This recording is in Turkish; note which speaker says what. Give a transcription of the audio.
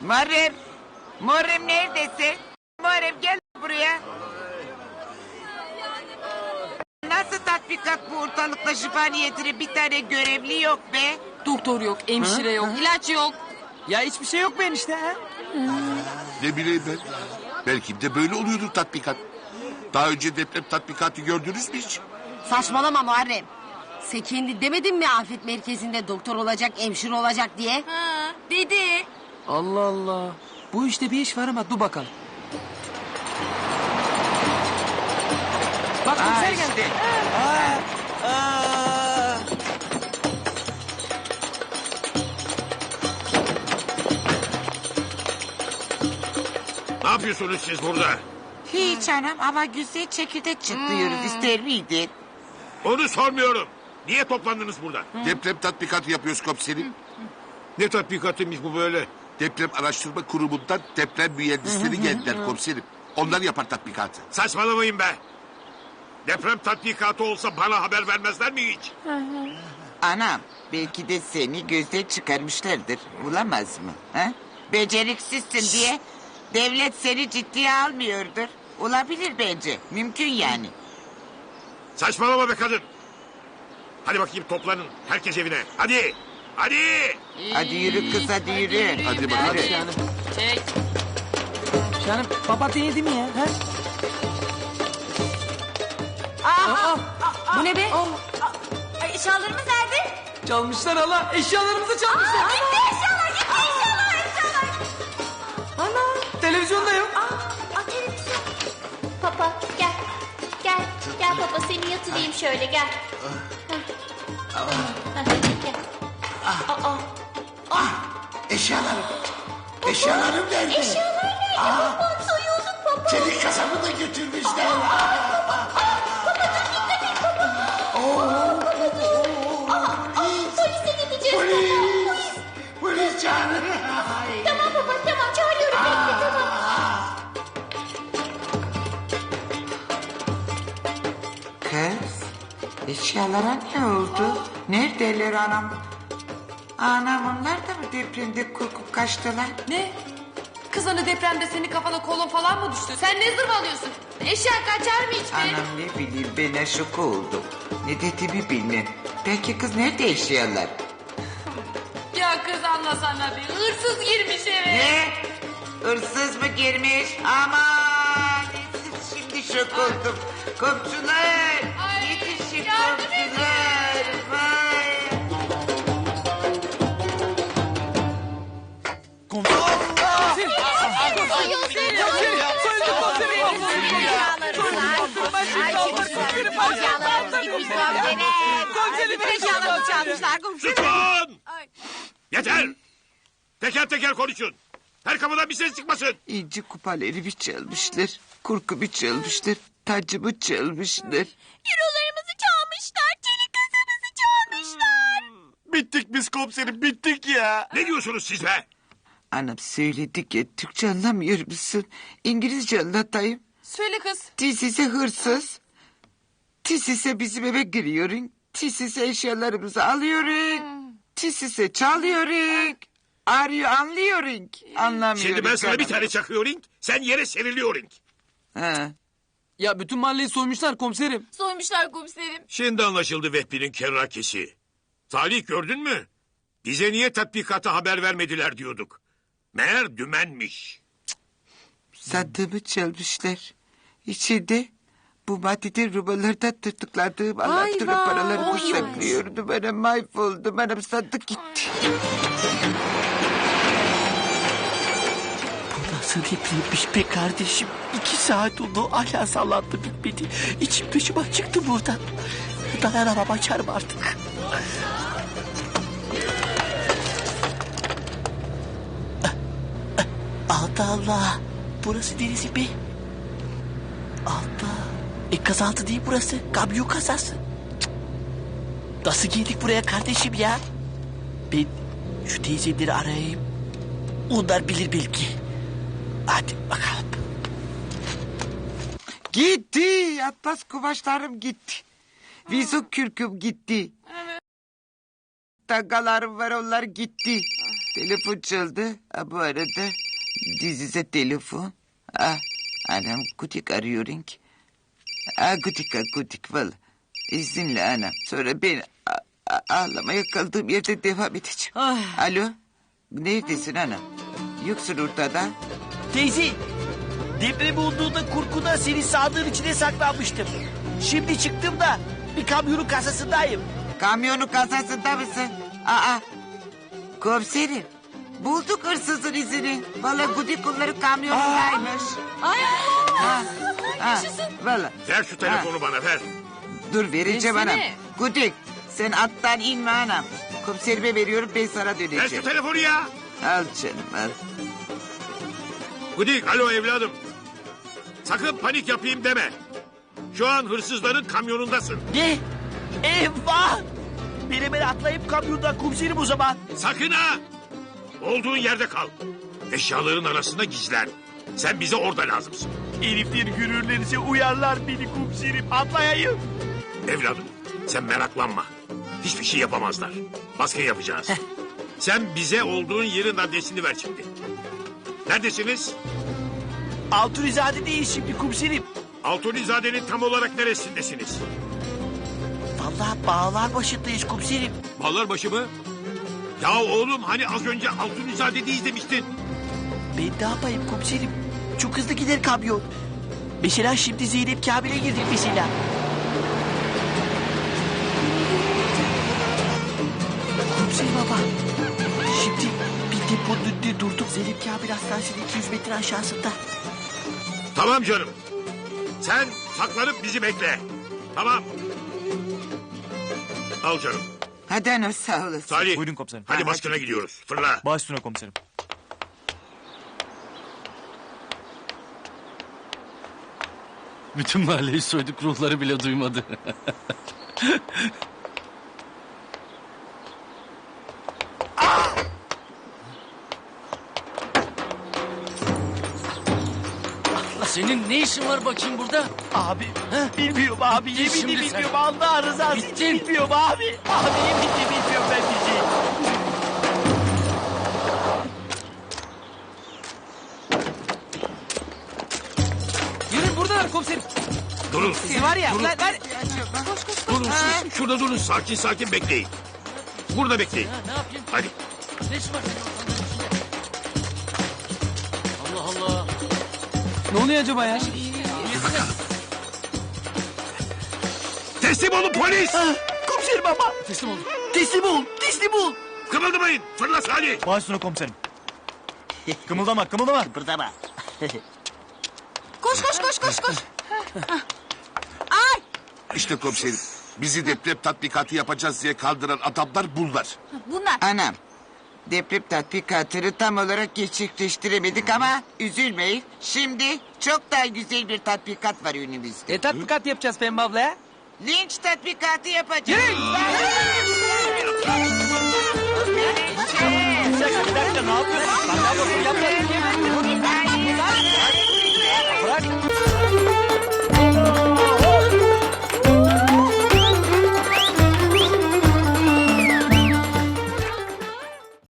Speaker 1: Muharrem. Muharrem neredesin? Muharrem gel buraya. Nasıl tatbikat bu ortalıkta şifa niyetine bir tane görevli yok be?
Speaker 2: Doktor yok, hemşire yok, ilaç yok.
Speaker 3: Ya hiçbir şey yok mu enişte ha?
Speaker 4: Ne bileyim ben. Belki de böyle oluyordur tatbikat. Daha önce deprem tatbikatı gördünüz mü hiç?
Speaker 5: Saçmalama Muharrem. Sen kendi demedin mi afet merkezinde doktor olacak, hemşire olacak diye?
Speaker 2: Ha, dedi.
Speaker 3: Allah Allah. Bu işte bir iş var ama dur bakalım. Bak komiser geldi.
Speaker 1: işte.
Speaker 6: Ne yapıyorsunuz siz burada?
Speaker 1: Hiç anam ama güzel çekirdek çıtlıyoruz. İster miydin?
Speaker 6: Onu sormuyorum. Niye toplandınız burada?
Speaker 4: Deprem tatbikatı yapıyoruz komiserim.
Speaker 6: Ne tatbikatıymış bu böyle?
Speaker 4: Deprem Araştırma Kurumu'ndan deprem mühendisleri geldiler komiserim. Onlar yapar tatbikatı.
Speaker 6: Saçmalamayın be. Deprem tatbikatı olsa bana haber vermezler mi hiç?
Speaker 1: Anam belki de seni gözden çıkarmışlardır. Bulamaz mı? Ha? Beceriksizsin diye devlet seni ciddiye almıyordur. Olabilir bence. Mümkün yani.
Speaker 6: Saçmalama be kadın. Hadi bakayım toplanın. Herkes evine. Hadi. Hadi.
Speaker 1: Hadi yürü kız hadi yürü.
Speaker 4: Hadi bakalım.
Speaker 1: Yürü.
Speaker 3: Şahanım.
Speaker 2: Çek.
Speaker 3: Şahanım papatya yedi mi ya? Ha?
Speaker 5: Bu ne be?
Speaker 7: Eşyalarımız nerede?
Speaker 3: Çalmışlar hala. Eşyalarımızı çalmışlar.
Speaker 7: Gitti eşyalar, gitti eşyalar.
Speaker 3: Ana. Televizyonda yok.
Speaker 7: Televizyon. Papa gel. Gel, gel papa seni yatırayım şöyle gel. Gel.
Speaker 8: Eşyalarım. Eşyalarım nerede?
Speaker 7: Eşyalar nerede? Papa soyulduk papa.
Speaker 8: Çelik kasabı da götürmüşler.
Speaker 7: Polise gideceğiz papa.
Speaker 8: Polis. Polis çağırın.
Speaker 7: Tamam papa tamam çağırıyorum bekle tamam.
Speaker 1: Kız eşyalara ne oldu? Neredeler anam? Anam onlar da mı depremde korkup kaçtılar?
Speaker 2: Ne? Kız hani depremde senin kafana kolon falan mı düştü? Sen ne zırvalıyorsun? Eşya kaçar mı hiç be?
Speaker 1: Anam ne bileyim ben aşık oldum. Ne dediğimi bilmem. Peki kız nerede eşyalar?
Speaker 2: Ya kız anlasana bir hırsız girmiş eve.
Speaker 1: Ne? Hırsız mı girmiş? Aman siz şimdi şok oldum. Komşular
Speaker 2: Ay,
Speaker 1: yetişin
Speaker 2: yardım edin.
Speaker 1: komşular. Vay.
Speaker 6: Lütfen. Yeter. Teker teker konuşun. Her kapıdan bir ses çıkmasın.
Speaker 1: İnci kupalarımı çalmışlar. Kurkumu çalmışlar. Tacımı çalmışlar.
Speaker 7: Eurolarımızı çalmışlar. Çelik kasamızı çalmışlar.
Speaker 8: Bittik biz komiserim bittik ya.
Speaker 6: Ne diyorsunuz siz be?
Speaker 1: Anam söyledik ya Türkçe anlamıyor musun? İngilizce anlatayım.
Speaker 2: Söyle kız.
Speaker 1: Tisise hırsız. Tisise bizim eve giriyorsun. Tisise eşyalarımızı alıyorsun. Tisise çalıyorsun. Arıyor anlıyorsun. Anlamıyorum.
Speaker 6: Şimdi ben sana bir
Speaker 1: anam.
Speaker 6: tane çakıyorum. Sen yere seriliyorsun.
Speaker 1: Ha.
Speaker 3: Ya bütün mahalleyi soymuşlar komiserim.
Speaker 2: Soymuşlar komiserim.
Speaker 6: Şimdi anlaşıldı Vehbi'nin kerrakesi. Salih gördün mü? Bize niye tatbikata haber vermediler diyorduk. Meğer dümenmiş.
Speaker 1: Sandığımı çalmışlar. İçinde bu maddeden rubalarda tutukladığım anahtarı paralarımı saklıyordum. Anam mahvoldum. Anam sandık gitti.
Speaker 8: Nasıl depremmiş be kardeşim? 2 saat oldu hala sallandı bitmedi. İçim dışıma çıktı buradan. Dayanamam açarım artık. Allah Allah. Burası neresi be? Allah. Kazaltı değil burası. Kamyon kazası. Cık. Nasıl geldik buraya kardeşim ya? Ben şu teyzeleri arayayım. Onlar bilir belki. Hadi bakalım.
Speaker 1: Gitti. Atlas kumaşlarım gitti. Vizok kürküm gitti. Tagalarım var onlar gitti. Telefon çaldı. Ha, bu arada dizize telefon. Ah, anam Gudik arıyor ki. Ah, Gudik valla. İzinle anam. Sonra ben ağlamaya kaldığım yerde devam edeceğim. Alo. Neredesin anam? Yoksun ortada.
Speaker 8: Teyze, deprem olduğunda kurkuda seni sandığın içine saklanmıştım. Şimdi çıktım da bir kamyonun kasasındayım.
Speaker 1: Kamyonun kasasında mısın? Aa. Komiserim. Bulduk hırsızın izini. Valla Gudik onların kamyonundaymış.
Speaker 2: Ay
Speaker 1: Ha, ha, valla.
Speaker 6: Ver şu telefonu bana ver.
Speaker 1: Dur vereceğim
Speaker 2: Versene.
Speaker 1: anam. Gudik sen attan inme anam. Komiserime veriyorum ben sana
Speaker 6: Ver şu
Speaker 1: döneceğim.
Speaker 6: telefonu ya.
Speaker 1: Al canım al.
Speaker 6: Gudik alo evladım. Sakın panik yapayım deme. Şu an hırsızların kamyonundasın.
Speaker 8: Ne? Eyvah! Ben hemen atlayıp kamyondan komiserim o zaman.
Speaker 6: Sakın ha. Olduğun yerde kal. Eşyaların arasında gizlen. Sen bize orada lazımsın.
Speaker 8: Herifler görürlerse uyarlar beni komiserim. Atlayayım.
Speaker 6: Evladım sen meraklanma. Hiçbir şey yapamazlar. Baskın yapacağız. Sen bize olduğun yerin adresini ver şimdi. Neredesiniz?
Speaker 8: Altunizade değil şimdi komiserim.
Speaker 6: Altunizade'nin tam olarak neresindesiniz?
Speaker 8: Vallahi bağlar başındayız komiserim.
Speaker 6: Ballarbaşı mı? Ya oğlum hani az önce Altunizade'deyiz demiştin.
Speaker 8: Ben ne yapayım komiserim? Çok hızlı gider kamyon. Mesela şimdi Zeynep Kamil'e girdik mesela. Komiserim baba. Şimdi bir deponun önünde durduk. Zeynep Kamil Hastanesi'nin 200 metre aşağısında.
Speaker 6: Tamam canım. Sen saklanıp bizi bekle. Tamam. Al canım.
Speaker 1: Hadi anam sağ olasın.
Speaker 6: Salih.
Speaker 9: Buyurun komiserim.
Speaker 6: Hadi baskına gidiyoruz. Fırla.
Speaker 9: Baş üstüne komiserim.
Speaker 10: Bütün mahalleyi soyduk, ruhları bile duymadı. Senin ne işin var bakayım burada?
Speaker 8: Abi bilmiyorum abi.
Speaker 10: Git
Speaker 8: Yeminle
Speaker 10: şimdi sen.
Speaker 8: bilmiyorum. Allah rızası için
Speaker 10: Gittin.
Speaker 8: bilmiyorum abi. Abi yeminle bilmiyorum ben bir şey.
Speaker 3: Yürü buradalar komiserim.
Speaker 6: Durun.
Speaker 3: Var ya.
Speaker 6: Durun.
Speaker 3: Lan.
Speaker 6: Durun siz. Şurada durun. Sakin sakin bekleyin. Burada bekleyin.
Speaker 10: Ne yapayım?
Speaker 6: Hadi.
Speaker 10: Ne işin var senin ortalıkların içinde? Allah Allah.
Speaker 3: Ne oluyor acaba ya?
Speaker 6: Teslim olun polis.
Speaker 8: Komiserim baba.
Speaker 10: Teslim ol.
Speaker 8: Teslim ol. Teslim ol.
Speaker 6: Kımıldamayın. Fırla Salih.
Speaker 9: Baş üstüne komiserim. Kımıldama kımıldama.
Speaker 8: Kıpırdama.
Speaker 5: Koş.
Speaker 4: İşte komiserim. Bizi deprem tatbikatı yapacağız diye kaldıran adamlar bunlar.
Speaker 5: Bunlar.
Speaker 1: Anam. Deprem tatbikatını tam olarak gerçekleştiremedik ama üzülmeyin. Şimdi çok daha güzel bir tatbikat var önümüzde.
Speaker 3: Tatbikat yapacağız Pembe abla ya.
Speaker 1: Linç tatbikatı yapacağız.
Speaker 8: Bir dakika ne yapıyorsun? Bak, ne yapıyorsun? Yapma.